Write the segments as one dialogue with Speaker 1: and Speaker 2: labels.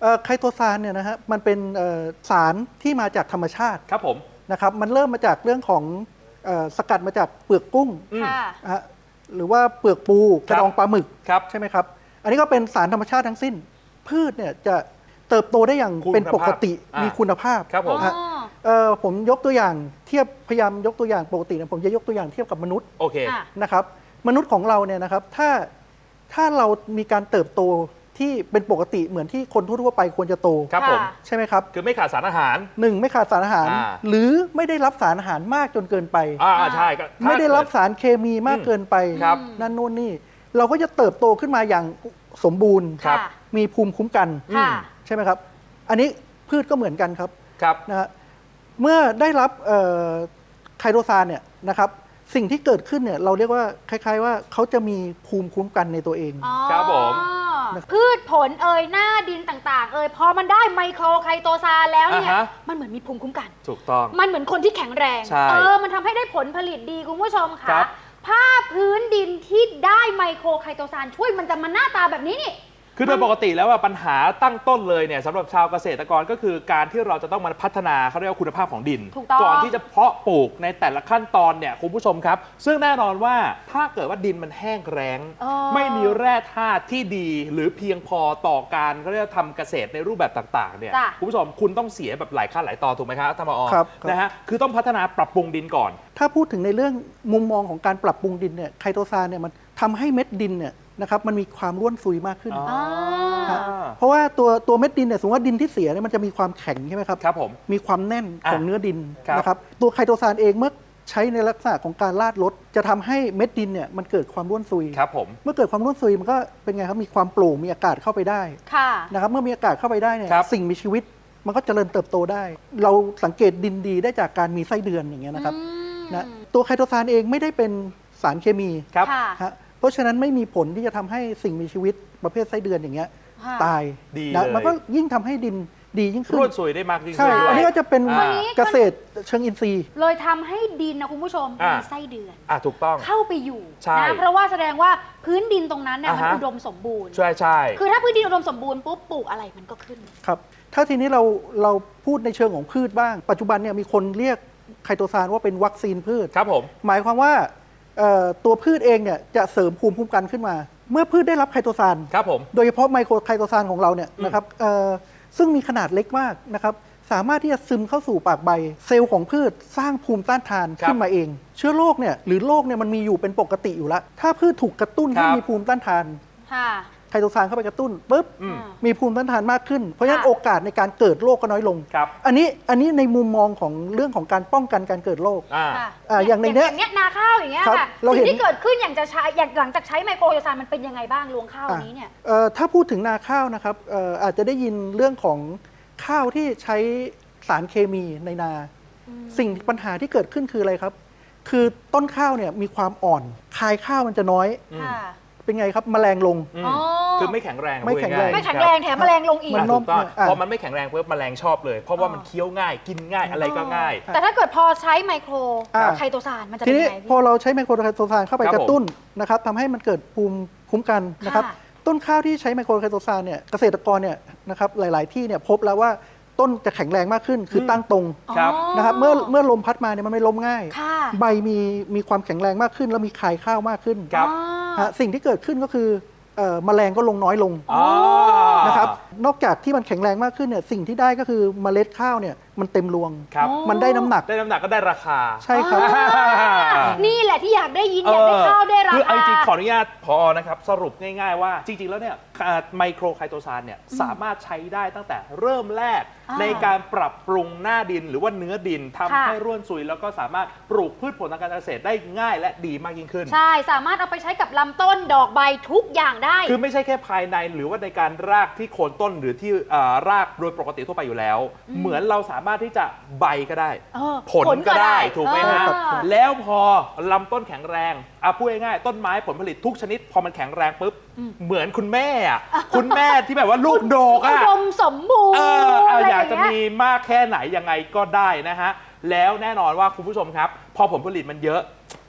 Speaker 1: ไคโตซานเนี่ยนะฮะมันเป็นสารที่มาจากธรรมชาติ
Speaker 2: ครับผม
Speaker 1: นะครับมันเริ่มมาจากเรื่องของสกัดมาจากเปลือกกุ้งหรือว่าเปลือกปูกระดองปลาหมึกใช่ไหมครับอันนี้ก็เป็นสารธรรมชาติทั้งสิ้นพืชเนี่ยจะเติบโตได้อย่างเป็นปกติมีคุณภาพ
Speaker 2: ครับ
Speaker 1: ผมยกตัวอย่างเทียบพยายามยกตัวอย่างปกตินะผมจะยกตัวอย่างเทียบกับมนุษย์
Speaker 2: โอเค
Speaker 1: นะครับมนุษย์ของเราเนี่ยนะครับถ้าเรามีการเติบโตที่เป็นปกติเหมือนที่คนทั่วไปควรจะโต
Speaker 2: ครับผม
Speaker 1: ใช่ไหมครับ
Speaker 2: คือไม่ขาดสารอาหาร
Speaker 1: 1ไม่ขาดสารอาหารหรือไม่ได้รับสารอาหารมากจนเกินไป
Speaker 2: ใช่
Speaker 1: ไม่ได้รับสารเคมีมากเกินไปนั่นโน่นนี่เราก็จะเติบโตขึ้นมาอย่างสมบูรณ์มีภูมิคุ้มกันใช่ไหมครับอันนี้พืชก็เหมือนกันครับนะฮะเมื่อได้รับไคโตซานเนี่ยนะครับสิ่งที่เกิดขึ้นเนี่ยเราเรียกว่าคล้ายๆว่าเขาจะมีภูมิคุ้มกันในตัวเอง
Speaker 2: ครับผม
Speaker 3: พืชผลหน้าดินต่างๆพอมันได้ไมโครไคโตซานแล้วเนี่ยมันเหมือนมีภูมิคุ้มกัน
Speaker 2: ถูกต้อง
Speaker 3: มันเหมือนคนที่แข็งแรงมันทำให้ได้ผลผลิตดีคุณผู้ชมค่ะผ้าพื้นดินที่ได้ไมโครไคโตซานช่วยมันจะมาหน้าตาแบบนี้นี่
Speaker 2: คือโดยปกติแล้วปัญหาตั้งต้นเลยเนี่ยสำหรับชาวเกษตรกรก็คือการที่เราจะต้องมาพัฒนาเขาเรียกว่าคุณภาพของดินก่อนที่จะเพาะปลูกในแต่ละขั้นตอนเนี่ยคุณผู้ชมครับซึ่งแน่นอนว่าถ้าเกิดว่าดินมันแห้งแล้งไม่มีแร่ธาตุที่ดีหรือเพียงพอต่อการเขาเรียกทำเกษตรในรูปแบบต่างๆเนี่ยคุณผู้ชมคุณต้องเสียแบบหลายขั้นหลายตอนถูกไหมครับท่านผอ.นะฮะคือต้องพัฒนาปรับปรุงดินก่อน
Speaker 1: ถ้าพูดถึงในเรื่องมุมมองของการปรับปรุงดินเนี่ยไคโตซานเนี่ยมันทำให้เม็ดดินเนี่ยนะครับมันมีความร่วนซุยมากขึ้นเพราะว่าตัวเม็ดดินเนี่ยสมมติว่าดินที่เสียเนี่ยมันจะมีความแข็งใช่ไหมครับ
Speaker 2: ครับผม
Speaker 1: มีความแน่นของเนื้อดินนะครับตัวไคโตซานเองเมื่อใช้ในลักษณะของการลาดรดจะทำให้เม็ดดินเนี่ยมันเกิดความร่วนซุย
Speaker 2: ครับผม
Speaker 1: เมื่อเกิดความร่วนซุยมันก็เป็นไงครับมีความโปร่งมีอากาศเข้าไปได้นะครับเมื่อมีอากาศเข้าไปได้เนี่ยสิ่งมีชีวิตมันก็เจริญเติบโตได้เราสังเกตดินดีได้จากการมีไส้เดือนอย่างเงี้ยนะครับนะตัวไคโตซานเองไม่ได้เป็นสารเคมี
Speaker 2: ครับ
Speaker 1: เพราะฉะนั้นไม่มีผลที่จะทำให้สิ่งมีชีวิตประเภทไส้เดือนอย่างเงี้ยตาย
Speaker 2: นะ
Speaker 1: มันก็ยิ่งทำให้ดินดียิ่งขึ้น
Speaker 2: ร่วนซุยได้มากยิ่งขึ้น
Speaker 1: ใช่อันนี้ก็จะเป็นเกษตรเชิงอินทรีย์
Speaker 3: เลยทำให้ดินนะคุณผู้ชมมีไส้เดือน
Speaker 2: ถูกต้อง
Speaker 3: เข้าไปอยู่นะเพราะว่าแสดงว่าพื้นดินตรงนั้นเนี่ยมันอุดมสมบูรณ์
Speaker 2: ใช่
Speaker 3: คือถ้าพื้นดินอุดมสมบูรณ์ปุ๊บปลูกอะไรมันก็ขึ้น
Speaker 1: ครับถ้าทีนี้เราพูดในเชิงของพืชบ้างปัจจุบันเนี่ยมีคนเรียกไคโตซานว่าเป็นวัคซีนพืช
Speaker 2: ครับผม
Speaker 1: หมายความว่าตัวพืชเองเนี่ยจะเสริมภูมิคุ้มกันขึ้นมาเมื่อพืชได้รับไคโตซาน
Speaker 2: ครับผม
Speaker 1: โดยเฉพาะไมโครไคโตซานของเราเนี่ยนะครับซึ่งมีขนาดเล็กมากนะครับสามารถที่จะซึมเข้าสู่ปากใบเซลล์ของพืชสร้างภูมิต้านทานขึ้นมาเองเชื้อโรคเนี่ยหรือโรคเนี่ยมันมีอยู่เป็นปกติอยู่แล้วถ้าพืชถูกกระตุ้นให้มีภูมิต้านทานไคโตซานเข้าไปกระตุ้นปุ๊บมีภูมิต้านทานมากขึ้นเพราะฉะนั้นโอกาสในการเกิดโรคก็น้อยลงอันนี้ในมุมมองของเรื่องของการป้องกันการเกิดโรค
Speaker 3: อย่างในเนี้ยนาข้าวอย่างเงี้ยค่ะสิ่งที่เกิดขึ้นอย่างจะใช้หลังจากใช้ไมโครไคโตซานมันเป็นยังไงบ้างรวงข้าวนี้เนี่ย
Speaker 1: ถ้าพูดถึงนาข้าวนะครับอาจจะได้ยินเรื่องของข้าวที่ใช้สารเคมีในนาสิ่งปัญหาที่เกิดขึ้นคืออะไรครับคือต้นข้าวเนี่ยมีความอ่อนคายข้าวมันจะน้อยเป็นไงครับแมลงลง
Speaker 2: คือไม่แข็งแรง
Speaker 1: ไม่แข็งแรง
Speaker 3: แถมแมลงลงอีก
Speaker 2: ถูกต้องพอมันไม่แข็งแรงเพิ่มแมลงชอบเลยเพราะว่ามันเคี้ยวง่ายกินง่ายอะไรก็ง่าย
Speaker 3: แต่ถ้าเกิดพอใช้ไมโครไคโตซานมันจะเป็นยังไง
Speaker 1: พอเราใช้ไมโครไคโตซานเข้าไปกระตุ้นนะครับทำให้มันเกิดภูมิคุ้มกันนะครับต้นข้าวที่ใช้ไมโครไคโตซานเนี่ยเกษตรกรเนี่ยนะครับหลายๆที่เนี่ยพบแล้วว่าต้นจะแข็งแรงมากขึ้นคือตั้งตรงนะครับเมื่อลมพัดมาเนี่ยมันไม่ล้มง่ายใบมีความแข็งแรงมากขึ้นแล้วมีคายข้าวมากขึ้นสิ่งที่เกิดขึ้นก็คือแมลงก็ลงน้อยลงนะครับนอกจากที่มันแข็งแรงมากขึ้นเนี่ยสิ่งที่ได้ก็คือเมล็ดข้าวเนี่ยมันเต็มรวงมันได้น้ำหนัก
Speaker 2: ก็ได้ราคา
Speaker 1: ใช่ครับ
Speaker 3: นี่แหละที่อยากได้ยินอยากได้ข้าวได้ราคา
Speaker 2: คือจริงขออนุญาตผอ.นะครับสรุปง่ายๆว่าจริงๆแล้วเนี่ยไมโครไคโตซานเนี่ยสามารถใช้ได้ตั้งแต่เริ่มแรกในการปรับปรุงหน้าดินหรือว่าเนื้อดินทำให้ร่วนซุยแล้วก็สามารถปลูกพืชผลทางการเกษตรได้ง่ายและดีมากยิ่งขึ้น
Speaker 3: ใช่สามารถเอาไปใช้กับลำต้นดอกใบทุกอย่างได้
Speaker 2: คือไม่ใช่แค่ภายในหรือว่าในการรากที่โคนต้นหรือที่รากโดยปกติทั่วไปอยู่แล้วเหมือนเราสามารถที่จะใบก็ได้ผลก็ได้ถูกไหมฮะแล้วพอลำต้นแข็งแรงพูดง่ายๆต้นไม้ผลผลิตทุกชนิดพอมันแข็งแรงปุ๊บเหมือนคุณแม่คุณแม่ที่แบบว่าลูกโดก
Speaker 3: อุดมสมบูรณ์
Speaker 2: อยากจะมีมากแค่ไหนยังไงก็ได้นะฮะแล้วแน่นอนว่าคุณผู้ชมครับพอผลผลิตมันเยอะ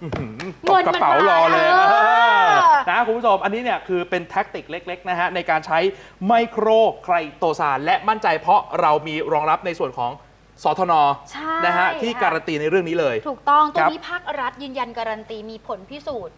Speaker 2: ตบกระเป๋ารอเลยนะคุณผู้ชมอันนี้เนี่ยคือเป็นแท็กติกเล็กๆนะฮะในการใช้ไมโครไคโตซานและมั่นใจเพราะเรามีรองรับในส่วนของสทน.นะฮะที่การันตีในเรื่องนี้เลย
Speaker 3: ถูกต้องตัวนี้ภาครัฐยืนยันการันตีมีผลพิสูจน์